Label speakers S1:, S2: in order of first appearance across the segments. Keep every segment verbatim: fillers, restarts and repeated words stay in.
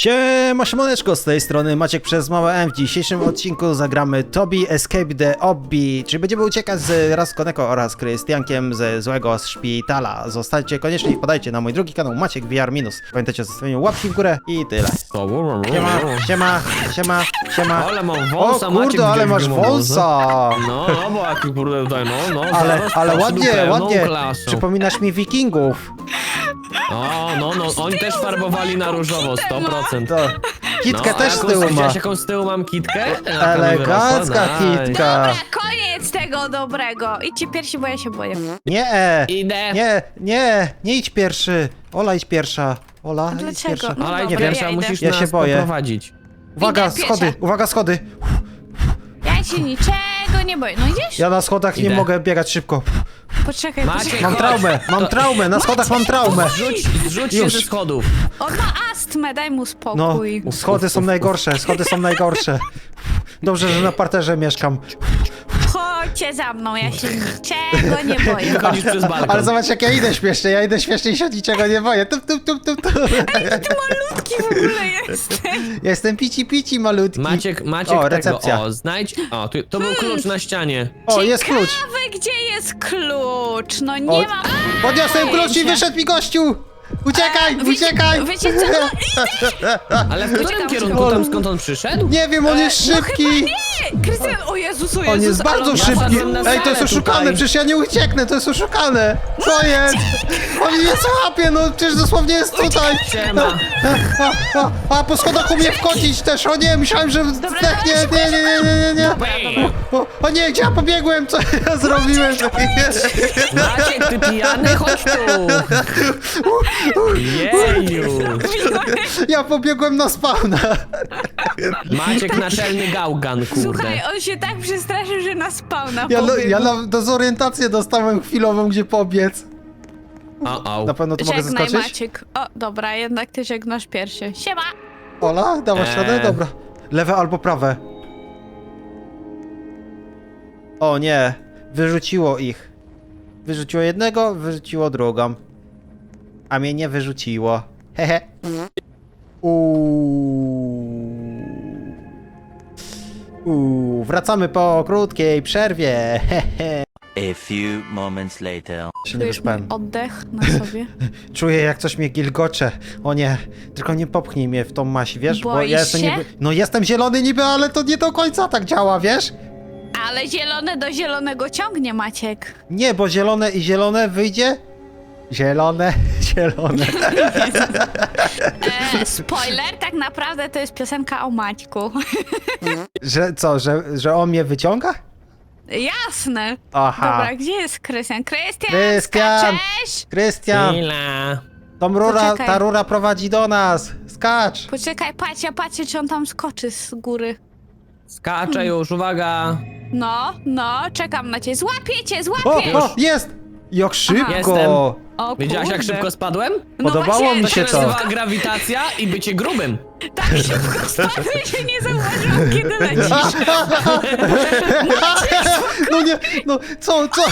S1: Siema, siemaneczko, z tej strony Maciek przez małe M. W dzisiejszym odcinku zagramy Toby Escape the Obby, czyli będziemy uciekać z Raskoneko oraz Krystiankiem ze złego szpitala. Zostańcie koniecznie i wpadajcie na mój drugi kanał Maciek V R minus. Pamiętajcie o zostawieniu łapki w górę i tyle. Siema, siema, siema, siema.
S2: Ale mam wąsa,
S1: O kurde,
S2: Maciek,
S1: ale masz
S2: wielkiego
S1: wąsa.
S2: No, no, bo jaki kurde tutaj, no, no.
S1: Ale,
S2: zaraz
S1: ale
S2: patrz
S1: ładnie,
S2: pełną
S1: ładnie.
S2: klasą.
S1: Przypominasz mi wikingów.
S2: O, no, no, oni też farbowali na różowo, sto procent.
S1: To kitkę
S2: No,
S1: też
S2: a
S1: z
S2: jaką-
S1: tyłu ma.
S2: Widziałeś, jaką z tyłu mam kitkę? Jaka mi
S1: Elegancka
S2: wyrosła? Nice.
S1: kitka.
S3: Dobra, koniec tego dobrego. Idźcie pierwsi, bo ja się boję.
S1: Nie, e,
S2: Idę.
S1: nie, nie, nie idź pierwszy. Ola idź pierwsza. Ola, idź
S3: dlaczego?
S1: pierwsza.
S3: No
S2: Ale
S3: dobra,
S2: nie wiem,
S3: ja idę.
S2: musisz
S1: Ja
S2: nas
S1: się boję.
S2: poprowadzić.
S1: Uwaga,
S3: Idę
S1: schody,
S3: pierwsza.
S1: uwaga, schody.
S3: Ja się niczego nie boję. No idziesz?
S1: Ja na schodach nie
S2: Idę.
S1: mogę biegać szybko.
S3: Poczekaj,
S2: Maciek,
S3: poczekaj.
S1: Mam
S2: chodź.
S1: traumę, mam
S2: To-
S1: traumę, na schodach mam traumę.
S2: Zrzuć, zrzuć się
S1: Już.
S2: ze schodów.
S3: On ma astmę, daj mu
S1: No,
S3: spokój.
S1: schody są najgorsze, schody są najgorsze. Dobrze, że na parterze mieszkam.
S3: Chodźcie za mną, ja się niczego nie boję.
S2: Chodzisz przez balkon.
S1: Ale zobacz jak ja idę śmiesznie, ja idę śmiesznie i się niczego nie boję. Tup, tup, tup, tup, tup.
S3: Malutki w ogóle jesteś.
S1: Ja jestem pici pici malutki.
S2: Maciek, Maciek,
S1: O,
S2: tego,
S1: recepcja.
S2: o, znajdź, o, tu, to był klucz na ścianie.
S1: O, jest klucz.
S3: Ciekawe, gdzie jest klucz. No nie
S1: O,
S3: mam.
S1: podniosłem klucz i
S3: pojęcia.
S1: wyszedł mi gościu. Uciekaj,
S3: Wiecie-
S1: uciekaj.
S3: Wiecie co? No,
S2: Ale w którym
S3: Uciekam,
S2: kierunku,
S1: uciekam.
S2: tam skąd on przyszedł?
S1: Nie wiem, on jest
S3: no
S1: szybki.
S3: chyba nie. Krystian, o Jezus, o Jezus.
S1: On jest
S3: ale
S1: bardzo
S3: on-
S1: szybki.
S2: wpadłem na
S1: Ej, to jest
S2: salę
S1: oszukane,
S2: tutaj.
S1: przecież ja nie ucieknę, to jest oszukane. Co jest? On mnie złapie, no przecież dosłownie jest tutaj.
S2: Siema.
S1: A, a, a po schodach umie wchodzić też, o nie, myślałem, że zdechnie, nie, nie, nie, nie, nie, nie. O, o nie, gdzie ja pobiegłem, co ja zrobiłem?
S2: Maciek, ty pijany, chodź tu! Jeju!
S1: Ja pobiegłem na spawna.
S2: Maciek naczelny gałgan, kurde.
S3: Słuchaj, on się tak przestraszył, że nas spawna
S1: Ja, no,
S3: pobiegł.
S1: ja na dezorientację dostałem chwilową, gdzie pobiec.
S2: O, o.
S1: Na pewno tu mogę
S3: Żegnaj,
S1: zaskoczyć?
S3: Maciek. O, dobra, jednak ty żegnasz pierwszy. Siema!
S1: Ola, dałaś
S2: Eee.
S1: radę? Dobra. Lewe albo prawe. O nie, wyrzuciło ich. Wyrzuciło jednego, wyrzuciło drugą. A mnie nie wyrzuciło. Hehe. Uuu. Uuu, wracamy po krótkiej przerwie. Hehe.
S4: A few moments later.
S1: Się nie
S3: Czujesz mój
S1: wyspałem.
S3: oddech na sobie?
S1: Czuję jak coś mnie gilgocze. O nie, tylko nie popchnij mnie w tą maść, wiesz? Bo
S3: Boisz
S1: ja jestem
S3: się?
S1: niby... No jestem zielony niby, ale to nie do końca tak działa, wiesz?
S3: Ale zielone do zielonego ciągnie, Maciek.
S1: Nie, bo zielone i zielone wyjdzie? Zielone, zielone.
S3: E, spoiler, tak naprawdę to jest piosenka o Maćku.
S1: Że co, że, że on mnie wyciąga?
S3: Jasne.
S1: Aha.
S3: Dobra, gdzie jest Krystian? Krystian,
S1: Krystian!
S3: skaczesz?
S1: Krystian,
S2: Chwila.
S1: tą rura,
S3: Poczekaj.
S1: ta rura prowadzi do nas. Skacz.
S3: Poczekaj, patrz, ja patrzę, czy on tam skoczy z góry.
S2: Skaczę już, uwaga.
S3: No, no, czekam na ciebie. Złapię cię,
S1: O,
S3: złapię!
S1: o, jest! Jak szybko!
S2: Jestem.
S3: O,
S2: Widziałaś, jak
S3: kurde.
S2: szybko spadłem?
S3: No
S1: Podobało
S3: właśnie,
S1: mi
S2: To
S1: się
S2: się
S1: to.
S2: nazywa grawitacja i bycie grubym.
S3: Tak szybko spadłem, że nie zauważyłam, kiedy lecisz.
S1: No nie, no co, co?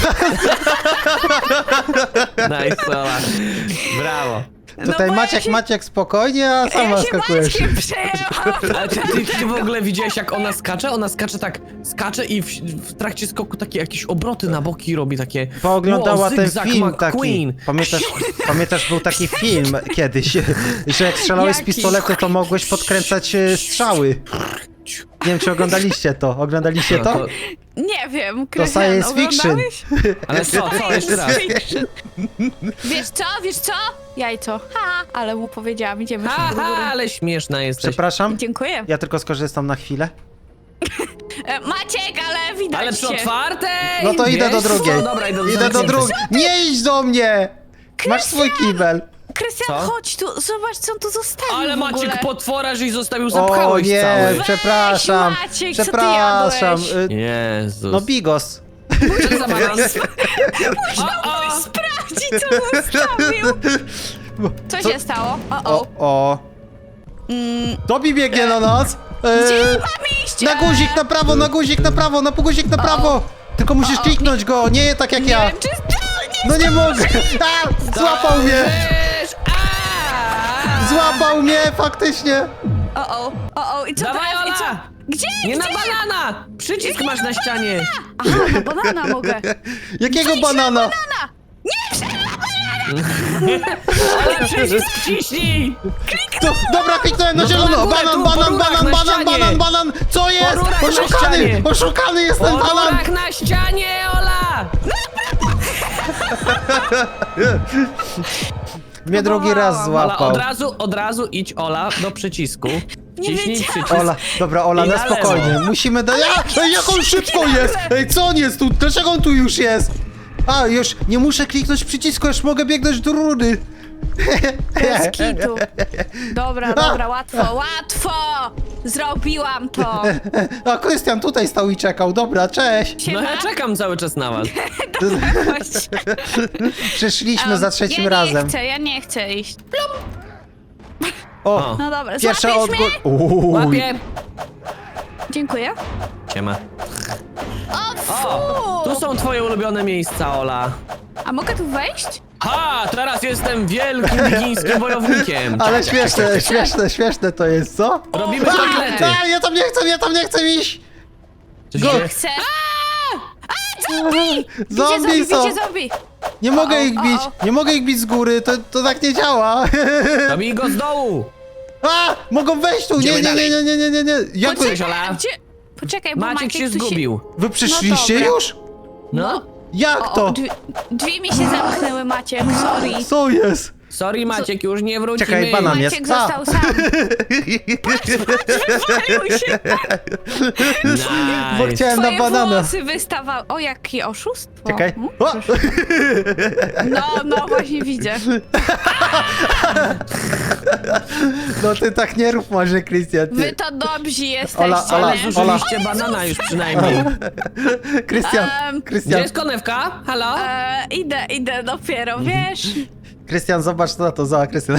S2: Nice, Ola. Brawo.
S1: Tutaj
S3: bo ja
S1: Maciek,
S3: się-
S1: Maciek spokojnie, a sama
S3: Ja się
S1: skakujesz.
S3: Maćkiem przejęłam.
S2: Ale ty, ty, ty w ogóle widziałeś, jak ona skacze? Ona skacze tak, skacze i w, w trakcie skoku takie jakieś obroty na boki robi, takie...
S1: Pooglądała
S2: wow,
S1: ten
S2: zygzak
S1: film taki.
S2: McQueen.
S1: Pamiętasz, pamiętasz, był taki film kiedyś, że jak strzelałeś z
S3: Jaki?
S1: pistoletu, to mogłeś podkręcać e, strzały. Nie wiem, czy oglądaliście to. Oglądaliście
S2: No
S1: to?
S2: to-
S3: Nie wiem, Krystian,
S1: science fiction.
S3: oglądałeś?
S2: Ale co, co, jeszcze raz.
S3: Wiesz co, wiesz co? Jajco. Ha, ale mu powiedziałam, idziemy szybko do
S2: Aha,
S3: góry.
S2: ale śmieszna jesteś.
S1: Przepraszam,
S3: Dziękuję.
S1: ja tylko skorzystam na chwilę.
S3: E, Maciek, ale widać
S2: Ale przy
S3: cię.
S2: otwartej!
S1: No to idę do
S2: wiesz?
S1: drugiej.
S2: No dobra, idę do
S1: Idę do
S2: zamkniętej.
S1: drugiej. Nie idź do mnie! Masz swój kibel.
S3: Krystian,
S2: Co?
S3: chodź tu, zobacz, co on tu zostawił
S2: Ale
S3: w ogóle.
S2: Maciek potwora, żeś zostawił,
S1: O
S2: zapchałeś
S1: nie,
S2: cały.
S1: przepraszam.
S3: Maciek, co ty
S1: Przepraszam.
S3: jadłeś?
S1: y,
S2: Jezus.
S1: No bigos.
S2: Co za balans? O, o.
S3: Sprawdzi, co zostawił. Co,
S1: Co?
S3: się stało? O,
S1: O,
S3: o.
S1: o.
S3: Mm,
S1: Tobi biegnie na nas. E,
S3: gdzie mam iść?
S1: Na guzik na prawo, na guzik na prawo, na guzik na prawo. Tylko musisz kliknąć go, nie tak jak
S3: Nie
S1: ja.
S3: wiem, czy... O, nie
S1: No nie mogę. A, złapał mnie.
S2: Wiesz, a!
S1: Złapał mnie, faktycznie!
S3: O, o, o, o, i co
S2: Dawaj,
S3: teraz? I co?
S2: Ola!
S3: Gdzie?
S2: Nie na
S3: Gdzie?
S2: banana! Przycisk masz na ścianie!
S3: Aha, na banana mogę.
S1: Jakiego
S3: Wyjdź na
S1: banana?
S3: banana!
S2: Ale przycisk wciśnij!
S1: To, dobra, kliknąłem na
S2: No to
S1: zielono!
S2: na górę,
S1: Banan,
S2: tu,
S1: banan,
S2: po rurach
S1: banan,
S2: na
S1: banan,
S2: ścianie.
S1: banan, banan! Co jest?
S2: rurach na
S1: Oszukany!
S2: ścianie.
S1: Oszukany jestem,
S2: Po
S1: banan!
S2: rurach na ścianie, Ola!
S1: Mnie drugi raz
S3: Ola,
S2: Ola,
S1: złapał.
S2: od razu, od razu idź, Ola, do przycisku. Wciśnij
S3: wiedziałam.
S2: przycisk.
S1: Ola, dobra, Ola,
S2: I
S1: na
S2: na lewo.
S1: spokojnie. Musimy do... Ja, ej, jak on szybko jest! Ej, co on jest tu? Dlaczego on tu już jest? A, już nie muszę kliknąć przycisku, już mogę biegnąć do rury.
S3: Bez kitu. Dobra, dobra, łatwo, łatwo! Zrobiłam to!
S1: A, Krystian tutaj stał i czekał. Dobra, cześć.
S2: No
S3: Siema.
S2: ja czekam cały czas na was.
S3: Chodź.
S1: Przyszliśmy za
S3: Um,
S1: trzecim
S3: ja
S1: razem.
S3: nie chcę, ja nie chcę iść.
S1: O,
S2: O.
S3: No dobra,
S1: pierwsza
S3: złapiesz
S1: odgór...
S3: mnie?
S1: Uuu.
S2: Łapie!
S3: Dziękuję.
S2: Siema.
S3: O, fu!
S2: O, tu są twoje ulubione miejsca, Ola.
S3: A mogę tu wejść?
S2: Ha! Teraz jestem wielkim wigińskim wojownikiem.
S1: Ale śmieszne, śmieszne, śmieszne to jest, co?
S2: Robimy kotlety.
S1: A, ja tam nie chcę, ja tam nie chcę iść!
S2: Coś
S1: Go-
S2: się-
S3: Chcę. A, zombie! Bicie
S1: Zombie
S3: zombie,
S1: są!
S3: bicie zombie!
S1: Nie
S3: O,
S1: mogę
S3: o,
S1: ich
S3: o,
S1: bić,
S3: o.
S1: nie mogę ich bić z góry, to, to tak nie działa.
S2: Dobij go z dołu.
S1: A, mogą wejść tu, nie,
S2: Idziemy
S1: nie, nie, nie, nie, nie, nie, nie. Jak wy,
S2: Cześć, Ola.
S3: Gdzie? Poczekaj, bo
S2: Maciek się
S3: tu
S2: zgubił.
S1: wy przyszliście
S3: dobra.
S1: już?
S2: No.
S1: Jak
S3: O, o,
S1: to?
S3: drzwi, drzwi mi się zamknęły, Maciek, sorry.
S1: Co jest?
S2: Sorry, Maciek, już nie wrócimy.
S1: Czekaj, banan jest.
S3: Maciek
S1: A.
S3: został sam. Wywalił się.
S1: Bo
S2: Nice.
S1: chciałem na
S3: Twoje
S1: banana.
S3: włosy wystawały. O, jakie oszustwo.
S1: Czekaj.
S3: Hmm?
S1: O!
S3: No, no, właśnie widzę.
S1: No ty tak nie rób może, Krystian.
S3: Wy
S1: Ty.
S3: to dobrzy jesteście,
S1: Ola, Ola,
S3: nie?
S1: Ola.
S2: Zużyliście banana już przynajmniej.
S1: Krystian,
S3: Em,
S2: Gdzie
S1: Krystian,
S2: jest konewka? Halo?
S3: E, idę, idę dopiero, wiesz?
S1: Krystian, zobacz na to, zobacz, Krystian.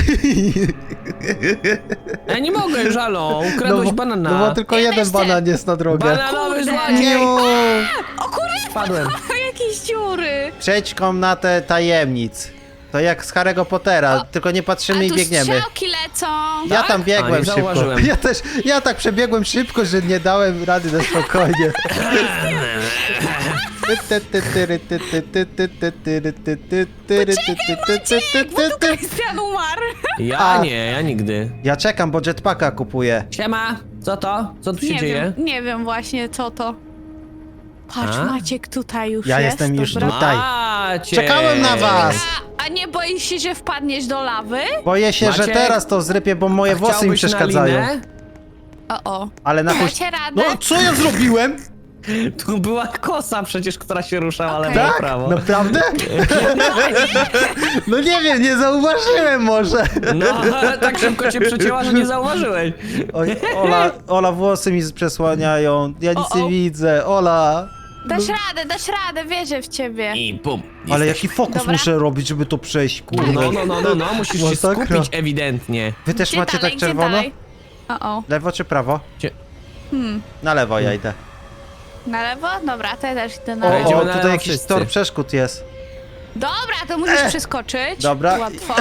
S2: Ja nie mogę już, halo. Ukradłeś
S1: bo,
S2: banana.
S1: no bo tylko
S3: Ja
S1: jeden
S3: też chcę.
S1: banan jest na drogę.
S2: Bananowy
S3: Kurde.
S2: złodziej.
S1: Niu.
S3: O kurde,
S2: Spadłem.
S3: jakieś dziury.
S1: Przejdź komnatę tajemnic. To jak z Harry'ego Pottera,
S3: O,
S1: tylko nie
S3: A
S1: patrzymy i
S3: tu
S1: biegniemy.
S3: strzałki lecą.
S1: Ja
S2: Tak?
S1: tam
S2: A,
S1: biegłem
S2: nie
S1: szybko.
S2: zauważyłem.
S1: Ja też, ja tak przebiegłem szybko, że nie dałem rady na spokojnie.
S3: Bo tu Krystian umarł.
S2: Ja
S1: A.
S2: nie, ja nigdy.
S1: Ja czekam, bo jetpacka kupuję.
S2: Siema, co to? Co tu się
S3: Nie
S2: dzieje?
S3: wiem, nie wiem właśnie co to. Patrz,
S2: A?
S3: Maciek tutaj już
S1: Ja
S3: jest.
S1: jestem już
S3: dobra.
S1: tutaj.
S2: Maciek.
S1: Czekałem na was.
S3: A, a nie boisz się, że wpadniesz do lawy?
S1: Boję się, że
S2: Maciek?
S1: teraz to zrypię, bo moje
S2: A
S1: włosy mi
S2: chciałbyś na
S1: przeszkadzają.
S2: linę?
S3: O, o.
S1: Ale na chuj...
S3: Dacie radę?
S1: No, co ja zrobiłem?
S2: Tu była kosa przecież, która się ruszała
S3: Okej.
S2: lewo i
S1: Tak?
S2: prawo.
S1: Naprawdę? No nie wiem, nie zauważyłem może.
S2: No, tak szybko cię przecięła, że nie zauważyłeś.
S1: Oj, Ola, Ola, włosy mi przesłaniają. Ja nic
S3: O, o.
S1: nie widzę. Ola.
S3: Dasz radę, dasz radę, wierzę w ciebie.
S2: I bum.
S1: Ale
S2: Jesteś-
S1: jaki fokus
S3: Dobra.
S1: muszę robić, żeby to przejść, kurde.
S2: No, no, no, no, no, musisz się
S1: Masakra.
S2: skupić ewidentnie.
S1: Wy też
S3: Gdzie
S1: macie
S3: dalej,
S1: tak
S3: gdzie
S1: czerwono?
S3: dalej? O, o.
S1: Lewo czy prawo?
S2: Cie-
S3: Hmm.
S1: Na lewo ja idę.
S3: Na lewo? Dobra, to ja też idę na
S1: O,
S2: Dobra,
S3: lewo.
S2: idziemy
S1: o
S2: na
S1: tutaj
S2: lewo
S1: jakiś
S2: wszyscy.
S1: tor przeszkód jest.
S3: Dobra, to musisz
S1: E.
S3: przeskoczyć.
S1: Dobra.
S3: Łatwo.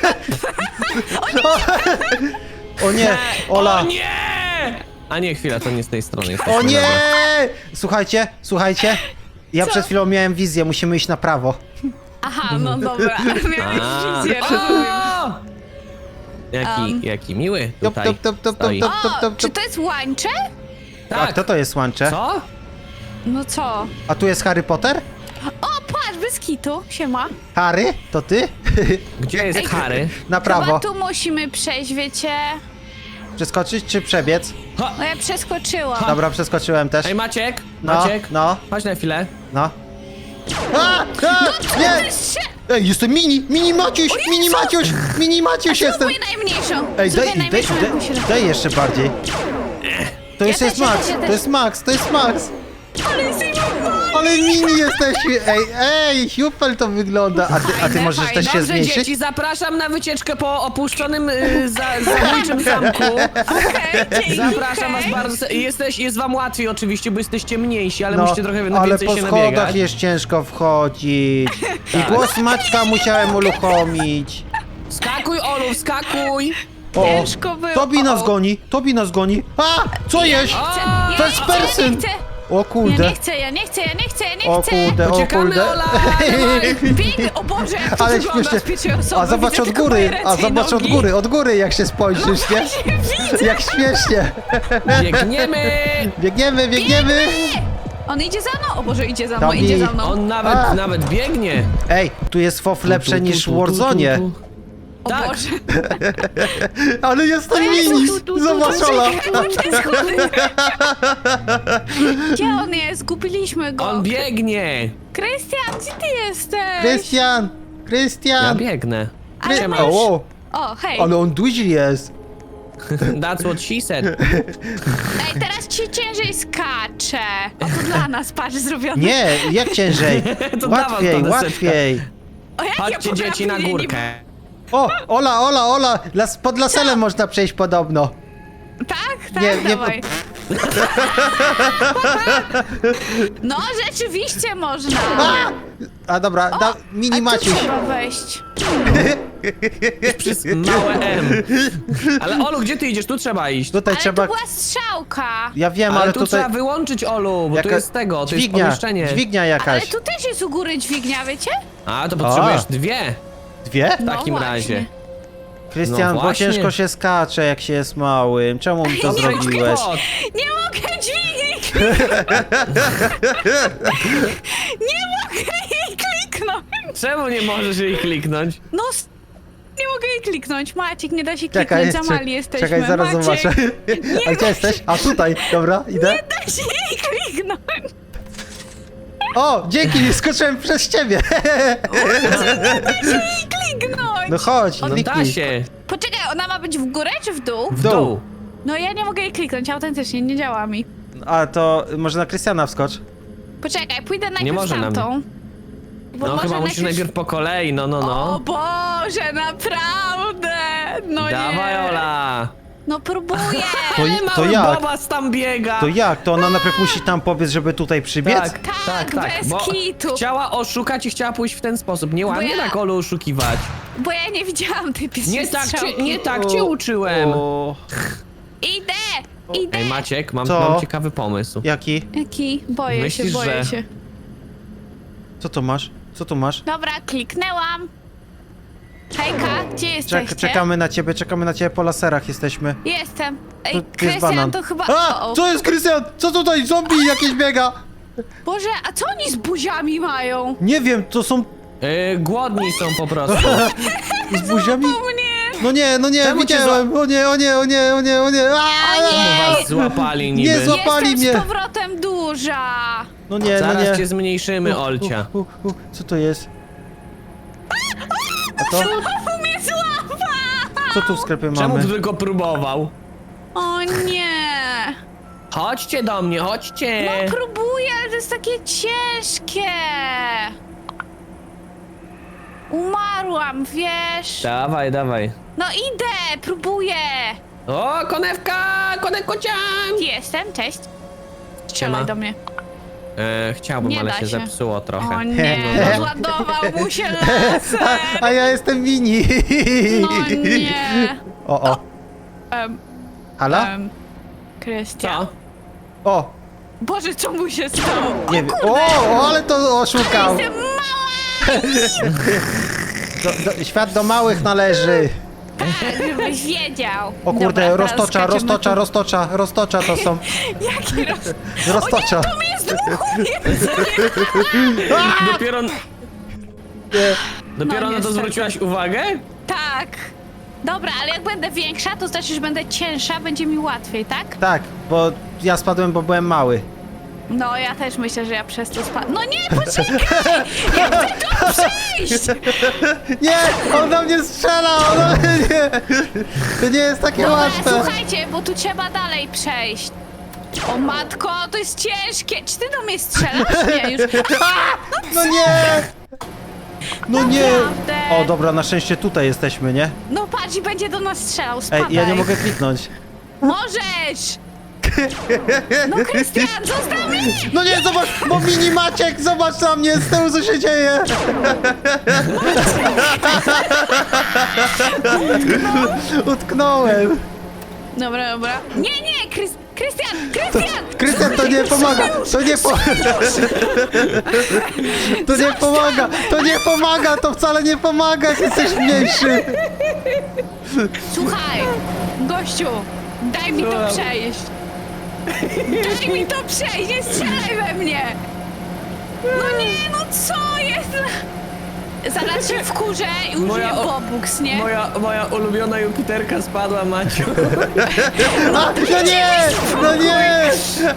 S1: O nie, Ola.
S2: O nie! A nie, chwila, to nie z tej strony jest.
S1: O nie! Słuchajcie, słuchajcie. Ja
S3: Co?
S1: przed chwilą miałem wizję, musimy iść na prawo.
S3: Aha, no dobra. Miałeś
S2: A.
S3: wizję, rozumiem.
S2: O! Jaki,
S3: Um.
S2: jaki miły
S1: Top,
S2: tutaj
S1: top, top, top, top,
S2: stoi.
S1: top, top,
S3: O,
S1: top,
S3: czy
S1: top.
S3: to jest łańcze?
S1: A
S2: Tak,
S1: kto to jest łącze?
S2: co?
S3: No co?
S1: A tu jest Harry Potter?
S3: O, patrz, bez kitu. Siema.
S1: Harry? To ty?
S2: Gdzie jest
S3: Ej,
S2: Harry?
S1: Na
S3: Chyba
S1: prawo.
S3: tu musimy przejść, wiecie?
S1: Przeskoczyć czy przebiec?
S2: Ha!
S3: No ja przeskoczyłam.
S1: Dobra, przeskoczyłem też.
S2: Ej, Maciek,
S1: No,
S2: Maciek,
S1: no,
S2: chodź na chwilę.
S1: no. A, a, nie! Ej, jestem mini, mini Maciuś, mini Maciuś, mini Maciuś jestem.
S3: Zróbmy najmniejszą.
S1: Ej,
S3: Zróbmy
S1: daj, daj,
S3: najmniejszą
S1: daj,
S3: jakąś rękę.
S1: daj jeszcze bardziej. To już
S3: też,
S1: jest
S3: ja
S1: Max,
S3: też, ja
S1: to
S3: też.
S1: jest Max, to jest Max.
S3: Ale jesteś
S1: Ale mini jesteśmy, ej, ej, super to wygląda. A ty, a ty
S3: Fajne,
S1: możesz
S3: fajne.
S1: też się
S2: Dobrze,
S1: zmniejszyć?
S2: dzieci, zapraszam na wycieczkę po opuszczonym y, za, zabójczym zamku.
S3: Okej, dzięki,
S2: Zapraszam
S3: okej.
S2: was bardzo. se- Jesteś, jest wam łatwiej oczywiście, bo jesteście mniejsi, ale
S1: No,
S2: musicie trochę na
S1: ale
S2: więcej
S1: po
S2: się
S1: schodach
S2: nabiegać.
S1: jest ciężko wchodzić. I głos Maćka musiałem uruchomić.
S2: Skakuj, Olu, skakuj!
S1: O,
S3: Ciężko było.
S1: Tobi nas
S3: O, o.
S1: goni, Tobi nas goni. A, co jest?
S3: Ja nie chcę,
S2: A,
S3: ja
S1: to
S3: nie
S1: jest
S3: chcę, ja
S1: persyn.
S3: nie chcę.
S1: O
S3: Ja
S1: kurde.
S3: nie chcę, ja nie chcę, ja nie chcę, ja nie
S1: O
S3: chcę.
S1: kurde, o
S2: Uciekamy,
S1: kurde.
S2: Ola, dawaj.
S3: Biegnę, o Boże, jak to
S1: Ale
S3: wygląda
S1: śmiesznie.
S3: z pierwszej osoby.
S1: A zobacz
S3: Widzę
S1: od
S3: tylko
S1: góry,
S3: moje ręce
S1: a
S3: i
S1: zobacz od
S3: nogi.
S1: góry, od góry jak się spojrzysz, nie? Jak śmiesznie.
S2: Biegniemy!
S1: Biegniemy, biegniemy.
S3: On idzie za mną, o Boże, idzie za mną,
S1: Tobi.
S3: idzie za mną.
S2: On nawet,
S1: A.
S2: nawet biegnie.
S1: Ej, tu jest fof lepsze
S2: Tu, tu,
S1: niż
S2: tu,
S1: w
S2: tu, tu,
S1: Warzone.
S2: tu.
S3: O
S2: Tak.
S3: Boże.
S1: Ale jestem
S3: Jezu,
S1: mini.
S3: tu, tu, tu,
S1: Zobacz,
S3: tu,
S1: Ola.
S3: czekaj, bo to jest chudy. Gdzie on jest? Zgubiliśmy go.
S2: On biegnie.
S3: Krystian, gdzie ty jesteś?
S1: Krystian,
S2: Ja
S1: Krystian.
S2: biegnę.
S3: Ale
S2: Siema.
S3: masz-
S1: O,
S3: O, hej.
S1: ale on duży jest.
S2: That's what she said.
S3: Ej, teraz ci ciężej skacze. O, to dla nas, patrz, zrobione.
S1: Nie, jak ciężej.
S2: To dawaj
S1: Łatwiej,
S2: to deseczkę.
S1: łatwiej.
S3: O, jak ja
S2: Chodźcie
S3: potrafię,
S2: dzieci na
S3: nie- nie-
S2: górkę.
S1: O, Ola, Ola, Ola, las, pod laselem można przejść podobno.
S3: Tak, tak,
S1: Nie, nie,
S3: dawaj. No, rzeczywiście można.
S1: A, a dobra, da,
S3: A
S1: mini
S3: tu
S1: Maciuś.
S3: trzeba wejść.
S2: Przez małe M. Ale Olu, gdzie ty idziesz? Tu trzeba iść.
S1: Tutaj
S3: Ale
S1: trzeba...
S3: to była strzałka.
S1: Ja wiem,
S2: Ale,
S1: ale
S2: tu
S1: tutaj...
S2: trzeba wyłączyć Olu, bo tu
S1: Jaka-
S2: jest tego, to
S1: dźwignia,
S2: jest pomieszczenie.
S1: dźwignia
S3: Ale
S1: jakaś.
S3: tu też jest u góry dźwignia, wiecie?
S2: A, to potrzebujesz
S1: A.
S2: dwie.
S1: Dwie?
S2: W takim
S3: No
S2: razie.
S3: właśnie.
S1: Krystian,
S2: No
S1: bo
S2: właśnie.
S1: ciężko się skacze, jak się jest małym. Czemu mi to
S3: Nie,
S1: zrobiłeś?
S2: Kod.
S3: Nie mogę dźwigni Nie mogę jej kliknąć.
S2: Czemu nie możesz jej kliknąć?
S3: No, s- nie mogę jej kliknąć. Maciek, nie da się
S1: Czekaj,
S3: kliknąć, za mali
S1: czek-
S3: jesteśmy.
S1: czekaj, zaraz
S3: Maciek,
S1: zobaczę. A gdzie jesteś? A tutaj, dobra, idę.
S3: Nie da się jej kliknąć.
S1: O, dzięki, skoczyłem przez ciebie.
S3: Jej kliknąć.
S1: No chodź,
S2: No da
S1: kliknij.
S2: się.
S3: Poczekaj, ona ma być w górę czy w dół?
S2: W
S1: dół.
S2: dół.
S3: No ja nie mogę jej kliknąć, autentycznie, nie działa mi.
S1: A to może na Krystiana wskocz.
S3: Poczekaj, pójdę najpierw
S2: może na
S3: tamtą. Bo
S2: No
S3: może
S2: chyba musisz najpierw po kolei, no no
S3: O
S2: no.
S3: Boże, naprawdę! No
S2: Dawaj
S3: nie.
S2: Ola.
S3: No próbuję.
S1: To,
S2: Ale
S1: to
S2: mały
S1: jak?
S2: Bobas tam biega.
S1: To jak? To ona najpierw musi tam pobiec, żeby tutaj przybiec?
S2: Tak, tak, tak.
S3: bez
S2: Bo
S3: kitu.
S2: chciała oszukać i chciała pójść w ten sposób. Nie ładnie
S3: ja-
S2: tak Olu oszukiwać.
S3: Bo ja nie widziałam tej pierwszej
S2: Nie tak cię,
S3: strzałki.
S2: nie tak cię uczyłem.
S1: O,
S3: Idę! Idę!
S2: Ej Maciek, mam,
S1: Co?
S2: mam ciekawy pomysł.
S1: jaki?
S3: Jaki? Boję
S2: Myślisz,
S3: się, boję
S2: że-
S3: się.
S1: Co tu masz? Co tu masz?
S3: Dobra, kliknęłam. Hejka, gdzie jesteście?
S1: Czek, czekamy na ciebie, czekamy na ciebie po laserach jesteśmy.
S3: Jestem.
S1: Tu,
S3: Ej,
S1: tu jest
S3: Krystian,
S1: banan.
S3: to chyba...
S1: A!
S3: O, o.
S1: Co jest, Krystian? Co tutaj? Zombie jakieś biega!
S3: Boże, a co oni z buziami mają?
S1: Nie wiem, to są
S2: Yy, głodni są po prostu.
S1: z buziami?
S3: O mnie!
S1: No nie, no nie,
S2: Czemu cię
S1: widziałem! O nie, o nie, o nie, o nie, o nie! A!
S2: Czemu was złapali niby?
S1: Nie zła- Zapali
S3: Jestem
S1: mnie.
S3: z powrotem duża!
S1: No nie, no
S2: Zaraz
S1: nie.
S2: cię zmniejszymy, Olcia.
S1: U, u, u, co to jest? A to?
S3: Znowu mnie złapa!
S1: Co tu w sklepie
S2: Czemu
S1: mamy?
S2: tylko próbował?
S3: O nie!
S2: Chodźcie do mnie, chodźcie!
S3: No próbuję, ale to jest takie ciężkie! Umarłam, wiesz?
S2: Dawaj, dawaj.
S3: No idę, próbuję!
S2: O, konewka! Konewkocian!
S3: Jestem, cześć.
S2: Siema.
S3: Strzelaj do mnie.
S2: E, chciałbym,
S3: Nie
S2: ale
S3: da
S2: się,
S3: się.
S2: zepsuło trochę.
S3: O nie, rozładował mu się laser!
S1: A ja jestem mini!
S3: No nie!
S1: O, o.
S3: Um,
S1: Halo?
S3: um, Krystian.
S2: Co?
S1: O!
S3: Boże, co mu się stało?
S1: Nie wiem. O, o, ale to oszukał!
S3: Jestem mała!
S1: Do, do, świat do małych należy.
S3: Tak, żebyś wiedział.
S1: O kurde,
S3: Dobra, teraz
S1: roztocza,
S3: skaczemy
S1: roztocza,
S3: tu.
S1: roztocza, roztocza to są.
S3: Jaki roz...
S1: Roztocza.
S3: To mi jest dmuchu, Jezu!
S2: Dopiero,
S1: Nie.
S2: dopiero
S3: No,
S2: na to
S3: niestety.
S2: zwróciłaś uwagę?
S3: Tak. Dobra, ale jak będę większa, to znaczy, że będę cięższa, będzie mi łatwiej, tak?
S1: Tak, bo ja spadłem, bo byłem mały.
S3: No, ja też myślę, że ja przez to spadnę. No nie, poczekaj! Ja chcę tu przyjść!
S1: Nie! On do mnie strzela! On do mnie nie! To nie jest takie
S3: Dobra,
S1: łatwe!
S3: słuchajcie, bo tu trzeba dalej przejść. O matko, to jest ciężkie! Czy ty do mnie strzelasz? Nie, już...
S1: No nie! No nie!
S3: Naprawdę?
S1: O dobra, na szczęście tutaj jesteśmy, nie?
S3: No patrz, i będzie do nas strzelał,
S1: Ej,
S3: spadaj.
S1: ja nie mogę kliknąć.
S3: Możesz! No Krystian, zostaw mnie!
S1: No nie, zobacz, bo mini Maciek, zobacz na mnie, z tyłu co się dzieje. Utknąłem.
S3: Dobra, dobra. Nie, nie, Krys Krystian, Krystian!
S1: Krystian, to nie pomaga, to nie po... To nie pomaga, to nie pomaga, to wcale nie pomaga, jak jesteś mniejszy.
S3: Słuchaj, gościu, daj mi to
S2: Słucham.
S3: przejść. Daj mi to przejść, nie strzelaj we mnie! No nie, no co jest? Zaraz się wkurzę i użyję
S2: Moja o-
S3: bobuks, nie?
S2: Moja, moja ulubiona Jupiterka spadła, Maciu.
S1: A, no nie, no nie.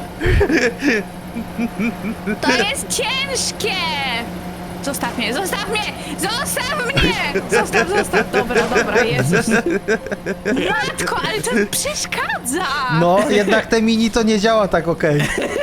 S3: To jest ciężkie! Zostaw mnie, zostaw mnie! Zostaw mnie! Zostaw, zostaw! Dobra, dobra, Jezus. Matko, ale to przeszkadza!
S1: No, jednak te mini to nie działa tak okej.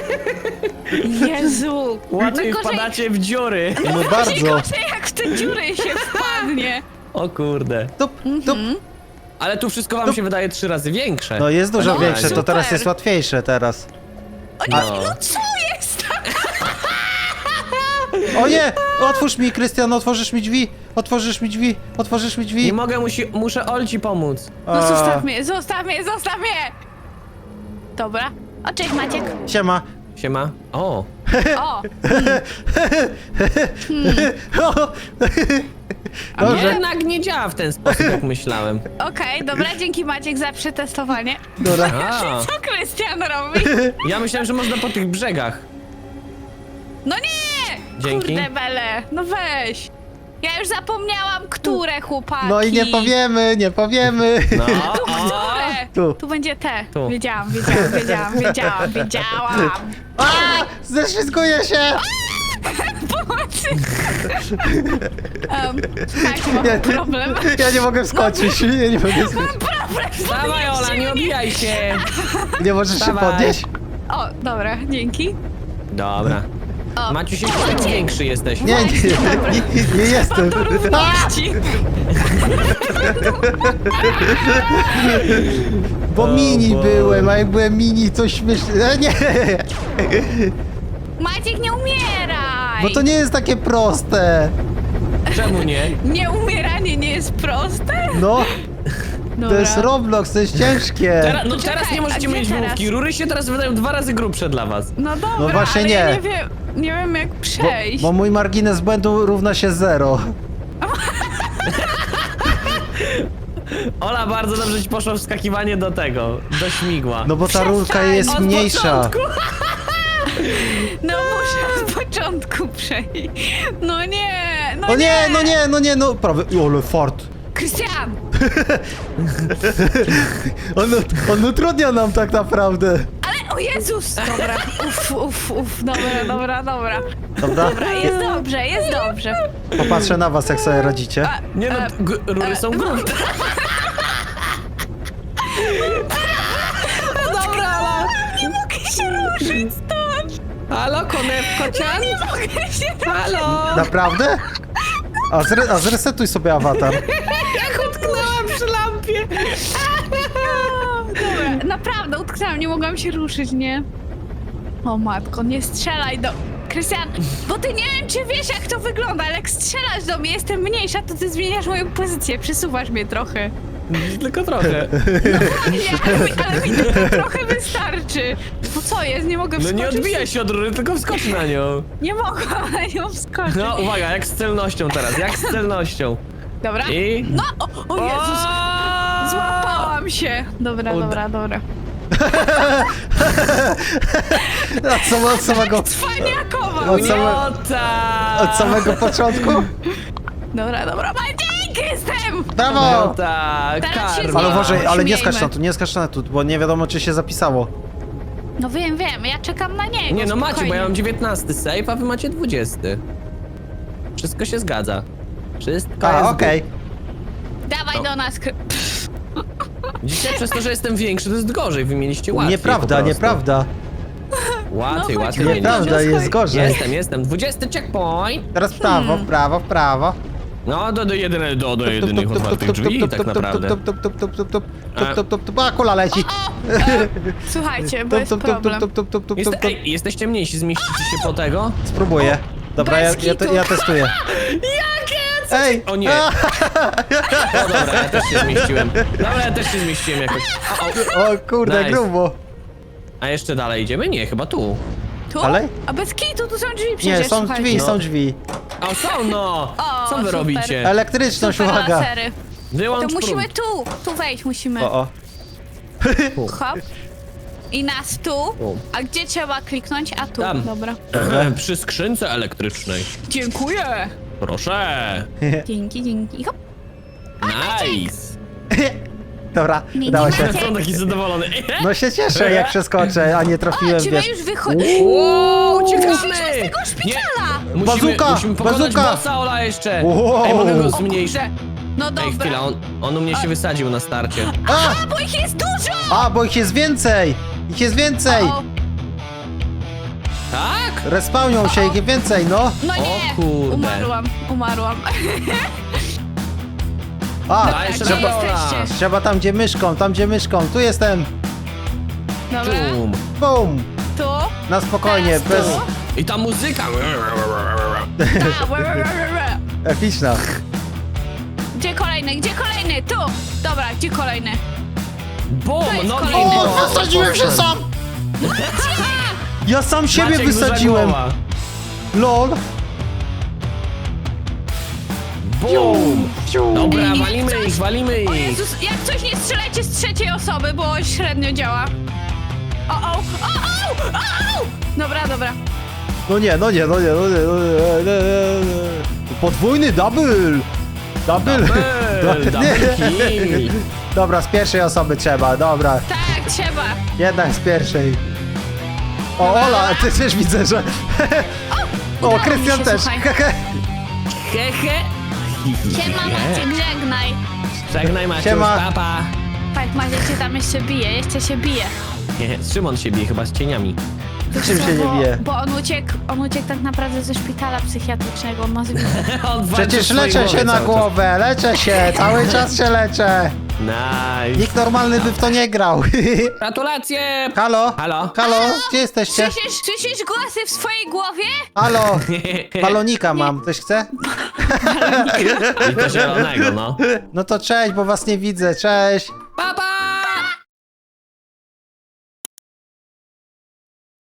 S3: Jezu!
S2: Łatwiej
S3: No gorzej-
S2: wpadacie w dziury.
S1: No
S3: Gorzej,
S1: bardzo.
S3: gorzej, jak w te dziury się wpadnie.
S2: O kurde.
S1: Tup, tup.
S2: Ale tu wszystko wam się wydaje trzy razy większe.
S1: No jest dużo
S3: No,
S1: większe, to
S3: super.
S1: teraz jest łatwiejsze teraz.
S3: O nie,
S2: No.
S3: no co jest?
S1: O nie! Otwórz mi, Krystian, otworzysz mi drzwi! Otworzysz mi drzwi! Otworzysz mi drzwi!
S2: Nie mogę, musi, muszę Olci pomóc.
S3: No
S1: A,
S3: zostaw mnie, zostaw mnie, zostaw mnie! Dobra. O, cześć Maciek.
S1: Siema.
S2: Siema. O.
S3: O,
S2: A
S1: Dobrze.
S2: jednak nie działa w ten sposób, jak myślałem.
S3: okej, dobra, dzięki Maciek za przetestowanie.
S1: Dobra.
S2: A,
S3: Co Krystian robi?
S2: ja myślałem, że można po tych brzegach.
S3: No nie!
S2: Dzięki.
S3: Kurde bele, no weź. Ja już zapomniałam, które chłopaki.
S1: No i nie powiemy, nie powiemy.
S2: No,
S3: Tu,
S2: o.
S3: które?
S1: Tu.
S3: Tu będzie te.
S2: Tu.
S3: Wiedziałam, wiedziałam, wiedziałam, wiedziałam, wiedziałam.
S1: A! Zeszwizguję się!
S3: Pomocy. Um, słuchajcie, mam
S1: Ja,
S3: problem.
S1: ja nie mogę wskoczyć, nie, nie mogę skoczyć.
S3: Problem,
S2: Dawaj, Ola,
S3: podnieście
S2: nie
S3: mnie.
S2: obijaj się.
S1: Nie możesz się
S2: Dawaj.
S1: podnieść?
S3: O, dobra, dzięki.
S2: Dobra.
S3: O,
S2: Maciu, się tak większy jesteś.
S1: Nie, nie, nie, nie, nie jestem.
S3: do
S1: A!
S3: równości.
S1: Bo
S2: O
S1: mini
S2: Boże.
S1: byłem, a jak byłem mini, to śmieszne. E, nie!
S3: Maciek, nie umieraj!
S1: Bo to nie jest takie proste.
S2: Czemu nie?
S3: Nie umieranie nie jest proste?
S1: No, to
S3: Dobra.
S1: jest Roblox, to jest ciężkie.
S2: Teraz, no
S3: Czekaj,
S2: teraz nie
S3: a
S2: możecie
S3: gdzie
S2: mieć
S3: teraz?
S2: główki. Rury się teraz wydają dwa razy grubsze dla was.
S3: No dobra,
S1: No właśnie
S3: ale ja
S1: nie.
S3: nie wiem, nie wiem jak
S1: Bo,
S3: przejść.
S1: bo mój margines błędu równa się zero.
S2: Ola, bardzo dobrze ci poszło wskakiwanie do tego, do śmigła.
S1: No bo ta rurka
S3: Przestań,
S1: jest
S2: od
S1: mniejsza.
S2: początku.
S3: No muszę od początku przejść. No nie, no
S1: O nie, no nie, no nie, no prawie. Ole fart.
S3: Krystian!
S1: On, on utrudnia nam tak naprawdę.
S3: Ale o Jezus! Dobra, uff, uff, uff, dobra, dobra, dobra.
S1: Dobra?
S3: Dobra, jest dobrze, jest dobrze.
S1: Popatrzę na was, jak sobie radzicie.
S3: A,
S2: Nie no,
S3: e,
S2: g- rury są grubsze. Dobra, Ola.
S3: nie mogę się ruszyć stąd!
S2: Halo, konewko cian?
S3: Nie mogę się ruszyć!
S2: Halo.
S1: Naprawdę? A, zre, a zresetuj sobie awatar.
S2: Jak utknęłam przy lampie.
S3: Dobra, naprawdę utknęłam, nie mogłam się ruszyć, nie? O matko, nie strzelaj do... Krystian, bo ty nie wiem, czy wiesz, jak to wygląda, ale jak strzelasz do mnie, jestem mniejsza, to ty zmieniasz moją pozycję, przesuwasz mnie trochę.
S2: Tylko trochę.
S3: Nie, ale, mi- ale mi tylko trochę wystarczy. No co jest, nie mogę
S2: No
S3: wskoczyć?
S2: nie odbijaj się od rury, tylko wskocz na nią.
S3: Nie mogłam na nią wskoczyć.
S2: No uwaga, jak z celnością teraz, jak z celnością.
S3: Dobra.
S2: I...
S3: No, o, o Jezus,
S2: O!
S3: złapałam się. Dobra,
S2: Uda-
S3: dobra, dobra.
S1: A co, od samego,
S3: Cwaniakował,
S1: Od
S3: nie?
S1: same-
S2: No tak.
S1: od samego początku?
S3: Dobra, dobra, Maciek, jestem!
S2: No
S1: Brawo!
S2: tak,
S3: Teraz się
S2: karma.
S1: Ale uważaj, ale nie
S3: Śmiejmy.
S1: skacz na tu, nie skacz na tu, bo nie wiadomo, czy się zapisało.
S3: No wiem, wiem, ja czekam na niego.
S2: Nie no macie, bo
S3: spokojnie.
S2: ja mam dziewiętnasty save, a wy macie dwudziesty. Wszystko się zgadza. Wszystko
S1: A,
S2: jest
S1: okej.
S3: Dawaj
S2: No.
S3: do nas, Kry...
S2: good. Dzisiaj przez to, że jestem większy, to jest gorzej, wy mieliście łatwiej.
S1: Nieprawda,
S2: po prostu.
S1: nieprawda.
S2: Łatwiej,
S3: No,
S2: łatwiej
S3: chodź,
S2: mieliście.
S1: Nieprawda, jest gorzej.
S2: Jestem, jestem. dwudziesty checkpoint.
S1: Teraz w prawo, w prawo, w prawo.
S2: No, do, do, jedyne, do, do jedynych otwartych drzwi, tak naprawdę.
S1: Tup, tup, tup, tup, tup, tup, tup, tup, tup, tup, a kula leci.
S3: O, e, słuchajcie, bo jest
S1: Tup, tup, tup,
S3: problem.
S1: tup, tup, tup, tup,
S2: Jest,
S1: tup, tup.
S2: ej, jesteście mniejsi, zmieścicie się po tego?
S1: Spróbuję. Dobra, ja,
S3: Bez
S1: ja, te,
S3: kitu.
S1: ja testuję.
S2: Jakie?
S1: Ej!
S2: O nie.
S1: A,
S2: No dobra, ja też się zmieściłem. Dobra, ja też się zmieściłem jakoś. O, o.
S1: o kurde,
S2: Nice.
S1: grubo.
S2: A jeszcze dalej idziemy? Nie, chyba tu.
S3: Tu?
S1: Ale?
S3: A bez kitu, tu są drzwi przecież,
S1: Nie, są
S3: słuchajcie.
S1: drzwi,
S2: No.
S1: są drzwi.
S2: O, są no!
S3: O,
S2: Co wy
S3: super.
S2: robicie?
S1: Elektryczność,
S3: Super
S1: uwaga.
S3: lasery.
S2: Wyłącz
S3: To musimy
S2: prąd.
S3: tu, tu wejść musimy.
S1: O, o.
S3: Hop. I nas tu. A gdzie trzeba kliknąć? A tu,
S2: Tam.
S3: dobra.
S2: Przy skrzynce elektrycznej.
S3: Dziękuję.
S2: Proszę.
S3: Dzięki, dzięki. Hop.
S2: Nice.
S1: Dobra,
S3: Nie,
S1: udało
S3: nie
S1: się.
S3: macie.
S2: Są taki zadowolony.
S1: No się cieszę, jak przeskoczę, a nie
S3: O,
S1: trafiłem,
S3: czy my
S1: wiesz.
S3: już wychodzimy?
S2: Wow,
S3: Uciekamy
S2: uciekamy!
S3: z tego szpitala!
S2: Musimy,
S1: Bazuka,
S2: musimy pokonać
S1: bazuka.
S2: bossa, Ola, jeszcze.
S1: Wow.
S2: Ej, mogę go
S1: O
S2: zmniejszyć.
S3: Kurde. No
S2: Ej,
S3: dobra.
S2: chwila, on, on u mnie się wysadził na starcie.
S1: A!
S3: A, bo ich jest dużo!
S1: A, bo ich jest więcej! Ich jest więcej!
S3: O,
S2: Tak?
S1: Respawnią się, ich jest więcej, no!
S3: no
S2: O
S3: nie!
S2: kurde.
S3: Umarłam, umarłam.
S1: A,
S2: A, jeszcze
S3: Gdzie
S2: dobra, Ola.
S3: jesteście?
S1: trzeba tam, gdzie myszką, tam, gdzie myszką. Tu jestem!
S3: Dobra,
S2: Czum.
S1: Bum!
S3: tu.
S1: Na spokojnie,
S3: Teraz
S1: bez...
S3: tu.
S2: I ta muzyka.
S3: Ta, we, we, we, we, we.
S1: Epiczna.
S3: Gdzie kolejny, gdzie kolejny? Tu! Dobra, gdzie kolejny?
S2: Bum,
S3: To jest
S2: no
S3: kolejny.
S1: O, wysadziłem się sam! Ja sam siebie
S2: Maciek, duża
S1: wysadziłem!
S2: głowa.
S1: LOL!
S2: Bum. Dobra,
S3: Ej,
S2: walimy
S3: jak
S2: ich,
S3: coś-
S2: walimy
S3: O
S2: ich.
S3: Jezus, jak coś nie strzelajcie z trzeciej osoby, bo średnio działa. O, o, o, o, o, o. Dobra, dobra.
S1: No nie, no nie, no nie, no nie, no nie, nie, nie, nie. Podwójny double! Double!
S2: Double, double kill.
S1: Dobra, z pierwszej osoby trzeba, dobra.
S3: Tak, trzeba.
S1: Jednak z pierwszej. O, Ola, ty też widzę, że... O,
S3: udało mi
S1: Krystian
S3: się,
S1: też.
S3: słuchaj.
S2: Hehe.
S3: Siema Maciek, żegnaj.
S2: Żegnaj Maciuś,
S1: Siema.
S2: papa.
S3: Fajk, Maciek się tam jeszcze bije, jeszcze się bije.
S2: Nie, Szymon się bije chyba z cieniami.
S1: Czym się nie
S3: bo,
S1: bije?
S3: Bo on uciekł, on uciekł tak naprawdę ze szpitala psychiatrycznego, on ma zwykle.
S2: On walczy
S1: Przecież
S2: w swojej
S1: leczę
S2: głowie
S1: się na
S2: cały czas.
S1: głowę, leczę się, cały czas się leczę.
S2: Nice.
S1: Nikt normalny by w to nie grał.
S2: Gratulacje!
S1: Halo?
S2: Halo?
S1: Halo? Gdzie jesteście?
S3: Słyszysz, słyszysz głosy w swojej głowie?
S1: Halo? Balonika mam, ktoś chce?
S2: I to zielonego, no.
S1: No to cześć, bo was nie widzę, cześć.
S2: Papa!